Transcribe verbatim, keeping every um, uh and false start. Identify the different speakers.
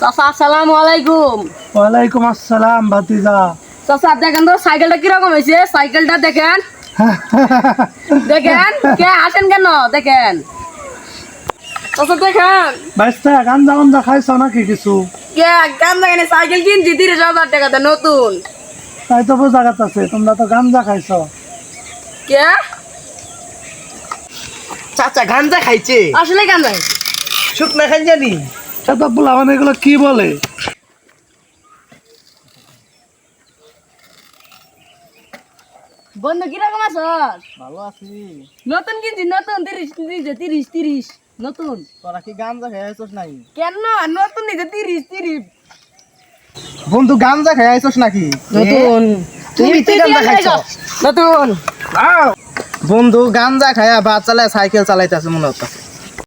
Speaker 1: চাচা আসসালামু আলাইকুম।
Speaker 2: ওয়ালাইকুম আসসালাম ভাতিজা।
Speaker 1: চাচা দেখেন তো সাইকেলটা কিরকম হয়েছে, সাইকেলটা দেখেন দেখেন কে আসেন কেন দেখেন চাচা দেখেন
Speaker 2: বাইস্তা গাঞ্জা গাঞ্জা খাইছ নাকি কিছু?
Speaker 1: কে গান দেখেন সাইকেল কিনছি তিরিশ হাজার টাকাতে নতুন।
Speaker 2: তাই তো বোঝা যাচ্ছে তোমরা তো গাঞ্জা খাইছ।
Speaker 1: কে
Speaker 3: চাচা গাঞ্জা খাইছে?
Speaker 1: আসলে গান নাই
Speaker 3: শুকনা খাই জানি।
Speaker 2: সেটা বলা মানে এগুলো কি বলে?
Speaker 1: বন্ধু কিরকম আছো?
Speaker 3: ভালো আছি।
Speaker 1: নতুন কিনছি নতুন তিরিশ নিজে তিরিশ তিরিশ নতুন।
Speaker 3: তোরা কি গাঞ্জা খাইছস নাই?
Speaker 1: কেন নতুন নিজে তিরিশ তিরিশ
Speaker 3: বন্ধু গাঞ্জা খাইছস নাকি?
Speaker 1: নতুন।
Speaker 3: তুমি তো গাঞ্জা খাইছো
Speaker 1: নতুন।
Speaker 3: বন্ধু গাঞ্জা খায়া বাস চালায় সাইকেল চালাইতেছে মনে হচ্ছে।